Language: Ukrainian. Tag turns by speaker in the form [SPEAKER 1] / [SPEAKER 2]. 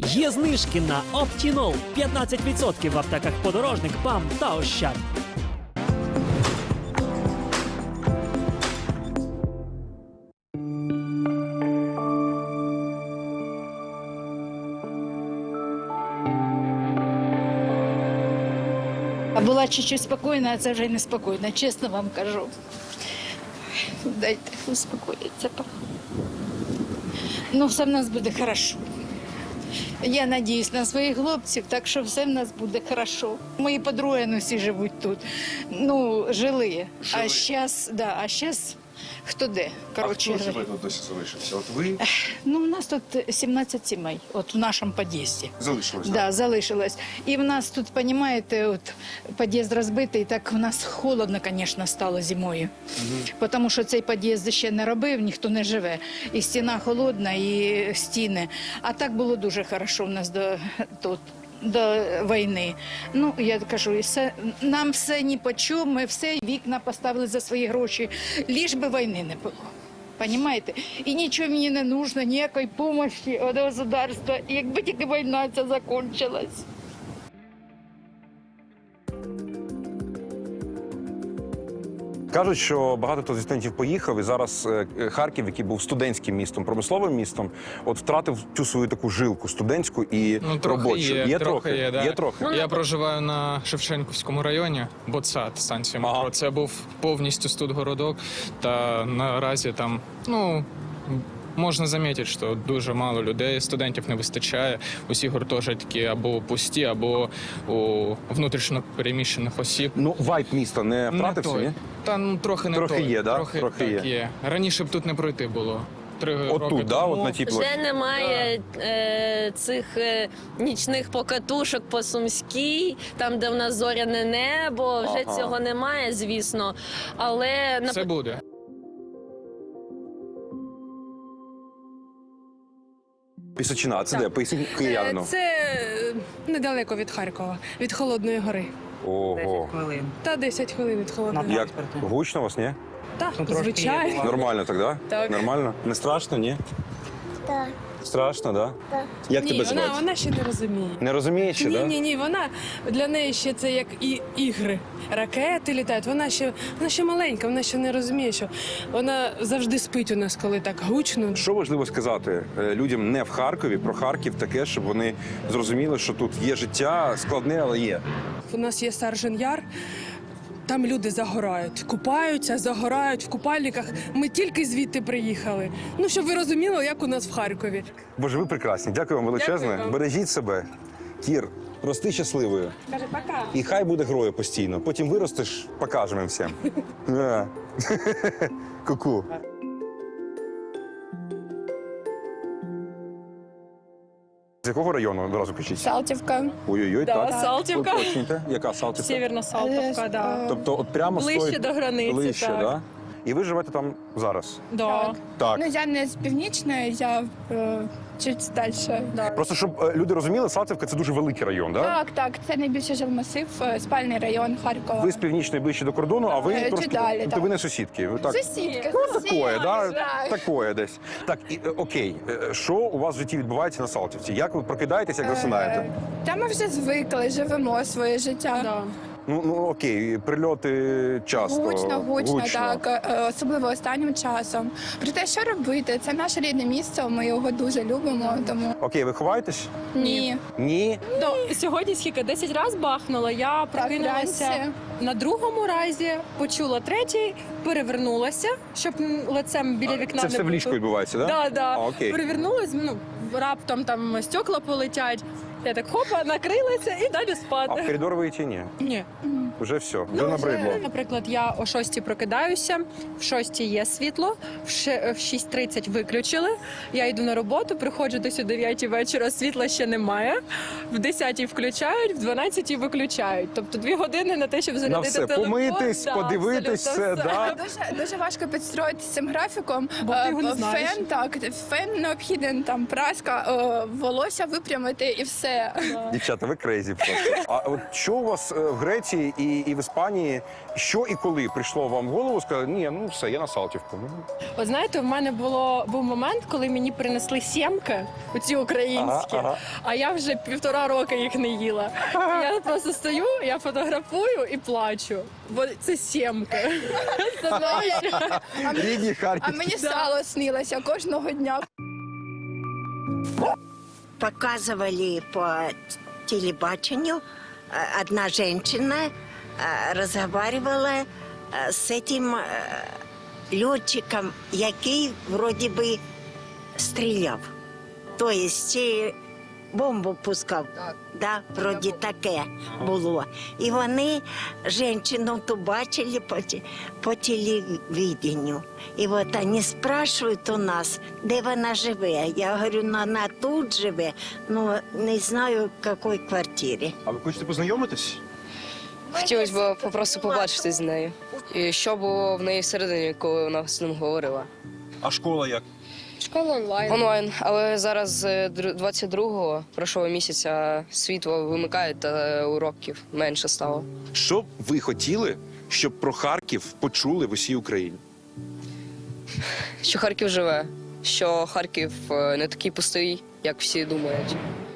[SPEAKER 1] Є знижки на Оптінол 15% в аптеках «Подорожник», «ПАМ» та «Ощад».
[SPEAKER 2] А була чуть-чуть спокійна, а це вже не спокійна, чесно вам кажу. Дайте успокоїться. Ну, все в нас буде хорошо. Я надіюсь на своїх хлопців, так що все в нас буде хорошо. Мої подруги ну, всі живуть тут. Ну, жили. А зараз хто де? Коротше,
[SPEAKER 3] а хто живе тут досі залишився? От ви
[SPEAKER 2] ну, у нас тут 17 сімей, от в нашому під'їзді.
[SPEAKER 3] залишилися?
[SPEAKER 2] Да, залишилось. І в нас тут, розумієте, от під'їзд розбитий, так в нас холодно, звісно, стало зимою. Тому що цей під'їзд ще не робив, ніхто не живе. І стіна холодна, і стіни. А так було дуже хорошо в нас до війни. Ну, я кажу, нам все ні по чому, ми все вікна поставили за свої гроші, ліж би війни не було. Понимаєте? І нічого мені не потрібно, ніякої допомоги від государства, якби тільки війна ця закінчилась.
[SPEAKER 3] Кажуть, що багато хто зі студентів поїхав, і зараз Харків, який був студентським містом, промисловим містом, от втратив цю свою таку жилку студентську і робочу.
[SPEAKER 4] Є трохи.
[SPEAKER 3] Є трохи.
[SPEAKER 4] Я проживаю на Шевченківському районі, Ботсад, станція метро.
[SPEAKER 3] Ага.
[SPEAKER 4] Це був повністю студгородок, та наразі там, ну, можна замітити, що дуже мало людей, студентів не вистачає. Усі гуртожитки або пусті, або у внутрішньо переміщених осіб.
[SPEAKER 3] Ну, вайб міста не втратився,
[SPEAKER 4] той.
[SPEAKER 3] ні?
[SPEAKER 4] Та ну трохи не
[SPEAKER 3] Трохи
[SPEAKER 4] той.
[SPEAKER 3] є, да?
[SPEAKER 4] Трохи
[SPEAKER 3] Трохи
[SPEAKER 4] так, є. Раніше б тут не пройти було. 3 роки
[SPEAKER 3] Отут, да?
[SPEAKER 4] тому.
[SPEAKER 3] От на тій площі.
[SPEAKER 5] Вже немає цих нічних покатушок по Сумській, там, де в нас зоряне небо, вже
[SPEAKER 3] Ага.
[SPEAKER 5] цього немає, звісно. Але
[SPEAKER 4] Це буде.
[SPEAKER 3] Пісочина, а це де? Поясніть киянину.
[SPEAKER 6] Це недалеко від Харкова, від Холодної гори.
[SPEAKER 3] Ого.
[SPEAKER 6] Та 10 хвилин від Холодної гори.
[SPEAKER 3] Як? Гучно у вас, ні?
[SPEAKER 6] Так, звичайно.
[SPEAKER 3] Нормально так, да?
[SPEAKER 6] Так.
[SPEAKER 3] Нормально? Не страшно, ні?
[SPEAKER 7] Так.
[SPEAKER 3] Страшно, да? Так. Як
[SPEAKER 6] Ні,
[SPEAKER 3] тебе звати?
[SPEAKER 6] вона ще не розуміє.
[SPEAKER 3] Не розумієш ще, да?
[SPEAKER 6] Ні, вона для неї ще це як і ігри. Ракети літають. Вона ще маленька, вона ще не розуміє, що вона завжди спить у нас, коли так гучно.
[SPEAKER 3] Що важливо сказати людям не в Харкові, про Харків таке, щоб вони зрозуміли, що тут є життя складне, але є.
[SPEAKER 6] У нас є Саржен Яр. Там люди загорають, купаються, загорають в купальниках. Ми тільки звідти приїхали. Ну, щоб ви розуміли, як у нас в Харкові.
[SPEAKER 3] Боже, ви прекрасні. Дякую вам величезне.
[SPEAKER 6] Дякую вам.
[SPEAKER 3] Бережіть себе. Кір, рости щасливою.
[SPEAKER 6] Каже, пока.
[SPEAKER 3] І хай буде грою постійно. Потім виростеш, покажемо всім. Да. Ку-ку. З якого району одразу кажіть?
[SPEAKER 8] Салтівка.
[SPEAKER 3] Ой-ой-ой, так.
[SPEAKER 8] Салтівка.
[SPEAKER 3] Уточнюйте. Яка Салтівка?
[SPEAKER 8] Сєвєрна Салтівка, да.
[SPEAKER 3] Тобто от прямо
[SPEAKER 8] Ближче
[SPEAKER 3] стоїть...
[SPEAKER 8] до границі,
[SPEAKER 3] Ближче,
[SPEAKER 8] так.
[SPEAKER 3] Да? І ви живете там зараз?
[SPEAKER 8] Да.
[SPEAKER 3] Так.
[SPEAKER 8] Ну, я не з північної, я чуть далі. Да.
[SPEAKER 3] Просто, щоб люди розуміли, Салтівка – це дуже великий район, так?
[SPEAKER 8] Так, це найбільший жилмасив, спальний район Харкова.
[SPEAKER 3] Ви з північної ближче до кордону, а ви
[SPEAKER 8] Чуть
[SPEAKER 3] трошки...
[SPEAKER 8] далі,
[SPEAKER 3] Тобто
[SPEAKER 8] так.
[SPEAKER 3] ви не сусідки? Ви так...
[SPEAKER 8] Сусідка.
[SPEAKER 3] Такое, да?
[SPEAKER 8] Так.
[SPEAKER 3] Такое десь. Так, окей. Що у вас в житті відбувається на Салтівці? Як ви прокидаєтесь, як засинаєте?
[SPEAKER 8] Та ми вже звикли, живемо своє життя.
[SPEAKER 6] Да.
[SPEAKER 3] Ну окей, прильоти часто.
[SPEAKER 8] Гучно, так, особливо останнім часом. Проте, що робити? Це наше рідне місце, ми його дуже любимо, тому
[SPEAKER 3] Окей, ви ховаєтесь?
[SPEAKER 8] ні.
[SPEAKER 3] Ні?
[SPEAKER 9] Сьогодні скільки? 10 разів бахнула. Я прокинулася
[SPEAKER 8] вранці.
[SPEAKER 9] на другому разі, почула третій, перевернулася, щоб лицем біля вікна
[SPEAKER 3] Це
[SPEAKER 9] не
[SPEAKER 3] все в
[SPEAKER 9] бути.
[SPEAKER 3] ліжку відбувається, так?
[SPEAKER 9] Да, да.
[SPEAKER 3] А, окей.
[SPEAKER 9] Перевернулась, раптом там стекла полетять. Я так хопа, накрилася і далі
[SPEAKER 3] А
[SPEAKER 9] спати.
[SPEAKER 3] в коридор ви йти ні?
[SPEAKER 9] Ні.
[SPEAKER 3] Вже все, вже набридло.
[SPEAKER 9] Наприклад, я о 6 прокидаюся, в 6 є світло, в 6:30 виключили. Я йду на роботу, приходжу десь о 9 вечора, світла ще немає. В 10 включають, в 12 виключають. Тобто 2 години на те, щоб
[SPEAKER 3] На
[SPEAKER 9] зарядити
[SPEAKER 3] все,
[SPEAKER 9] телефон.
[SPEAKER 3] помитись,
[SPEAKER 9] Да,
[SPEAKER 3] подивитись,
[SPEAKER 9] абсолютно
[SPEAKER 3] все, да?
[SPEAKER 8] Дуже важко підстроїтися цим графіком.
[SPEAKER 9] Бо ти його не знаєш.
[SPEAKER 8] Фен необхіден, там праска, волосся випрямити і все. все.
[SPEAKER 3] Дівчата, ви крейзі просто. А от що у вас в Греції і в Іспанії, що і коли прийшло вам в голову, сказали, ні, ну все, я на Салтівку. Ну,
[SPEAKER 9] От знаєте, в мене був момент, коли мені принесли сімки, оці українські, а я вже 1,5 роки їх не їла. Я просто стою, я фотографую і плачу, бо це сімки.
[SPEAKER 3] рідні
[SPEAKER 8] А
[SPEAKER 3] Харків.
[SPEAKER 8] мені сало снилося кожного дня.
[SPEAKER 7] Показывали по телебачению, одна женщина разговаривала с этим летчиком, який вроде бы стріляв. То есть бомбу пускав. Да, вроді таке було. І вони жінку ту бачили по телевидению. І от вони спрашують у нас, де вона живе. Я говорю, ну, вона тут живе, ну не знаю, в якій квартирі.
[SPEAKER 3] А ви хочете познайомитись?
[SPEAKER 10] Хотілося б просто побачити з нею. І що було в неї всередині, коли вона з ним говорила.
[SPEAKER 3] А школа як?
[SPEAKER 9] Школа онлайн.
[SPEAKER 10] Онлайн, але зараз 22-го, прошлого місяця, світло вимикають та уроків менше стало.
[SPEAKER 3] Що б ви хотіли, щоб про Харків почули в усій Україні?
[SPEAKER 10] Що Харків живе, що Харків не такий пустий, як всі думають.